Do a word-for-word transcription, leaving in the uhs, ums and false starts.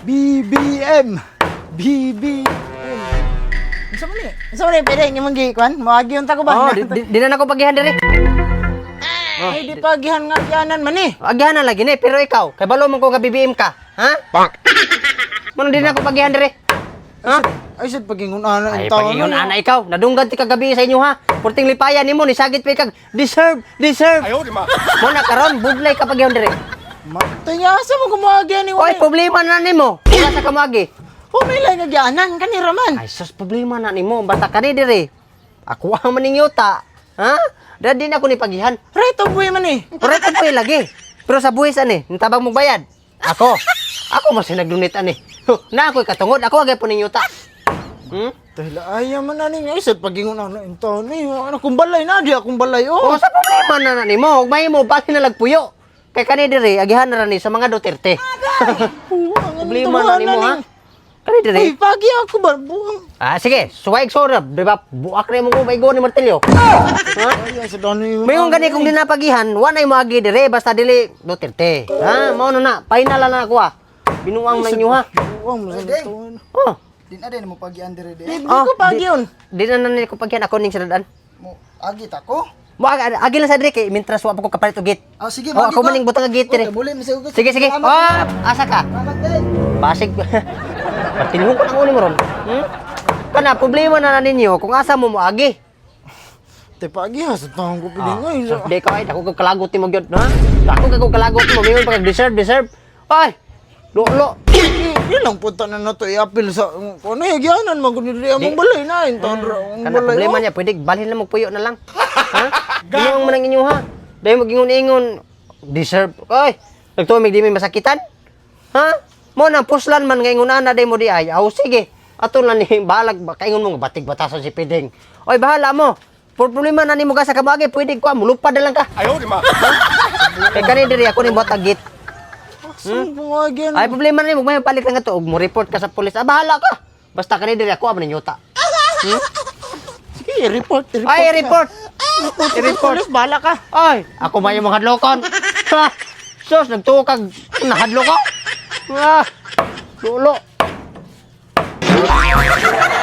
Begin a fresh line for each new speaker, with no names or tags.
B B M. B B M. Unsa man ni? Unsa man ni pwede imong gikuan? Moagi unta ko ba?
Oh, di, di, di na nako pagihan diri.
Ay di pagihan nga kianan man ni.
Agihan na lagi ni, pero ikaw, kay balo man ko ka B B M ka, ha? Mano di na nako pagihan diri? Ha?
Ay sad pagingon ana
Ay,
in taon.
pagingon ana ikaw, nadunggan ti kagabi sa inyo ha. Purting lipayan nimo ni sagit pa kag deserve, deserve. Ayo di ma. Mo na karon budlay ka pagihan diri.
Matay nga sa mo kumagi ni
Oy, problema na nimo. Wala sa kamagi.
Humilay nga gianan kanira man.
Ay, sus, problema na nimo. Basta ka ni diri. Ako ang maning yuta. Ha? Dadi na ako ni pagihan.
Right of way man ni.
Correct ang buhay lagi. Pero sa buhis ani, nitabang mo bayad. Ako. Ako mas sinaglunit ani. Huh, na ako'y katungod. Ako agay po ning yuta. Hmm?
Dahil ayaw man na ni. Ay sad pagingon ana in taon ni. Ano kung balay na di akong balay
O,
oh.
sa problema na na nimo. Ug may mo bali na lagpuyo. Kay kani diri agihan na ra ni sa mga Duterte. Problema na nimo ha. Kani diri.
Ay pagi ako ba buang.
Ah, sige, suwaig sorab, di ba? Buak na mo ko may go ni martilyo. Ha?
Ay sa dani.
Mayong gani kung dinapagihan, wa na magi dire basta dili Duterte. Ha, mao na na, final na ako ah. Binuang na inyo ha.
Buang mo sa taon.
Oh,
Din na din mo pagian dire
Di
de.
ko pagi yun.
di na na ko pagyan ako ning siradan.
Mo agit ako.
Mo ag- agi lang sa dire kay mintras wa pa ko kapalit og gate.
Ah sige,
Oh,
magi
ako
ba?
maning butang gate dire.
Okay, muli mo sa ugot.
Sige sige.
Salamat,
Oh, asa ka?
salamat din.
Basig. Patilhon ko na uni mo ron. Hmm? Kana problema na na ninyo kung asa mo moagi.
Te pagi ha sa taon ko piling ay.
So, di ka ay ako kag kalagot mo gyud, ha? Ako kag kalagot mo, mayon pag deserve, deserve. Ay. Lolo.
Di lang punta na nato i-appeal sa kuno yagianan man kun diri among balay na in taon ra ang
Kana
balay.
problema niya, pwede balhin lang magpuyo na lang. Ha? Ginoong man ang inyo ha. Dahil magingon-ingon, deserve. Ay, nagtuwag di may masakitan. Ha? Mo nang puslan man nga ingon ana dahil mo di ay. Aw sige. Ato lang ni balag kaingon mo batig batasan si Pideng. Oy, bahala mo. Por problema na nimo ka sa kamagi, pwede ko mulupad na lang ka. Ayaw di ma. Kay kani diri ako ni buhat agit.
Hmm? Pumagi
Ay problema na nimo, may palit lang ato og mo report ka sa pulis. Ah, bahala ka. Basta kani diri ako amo yuta. Hmm?
Sige, report, report.
Ay, report.
report. Bala ka.
Ay, ako may mga hadlokon. Ha? Sus, nagtukag. Nahadlo ko. Ah, lulo.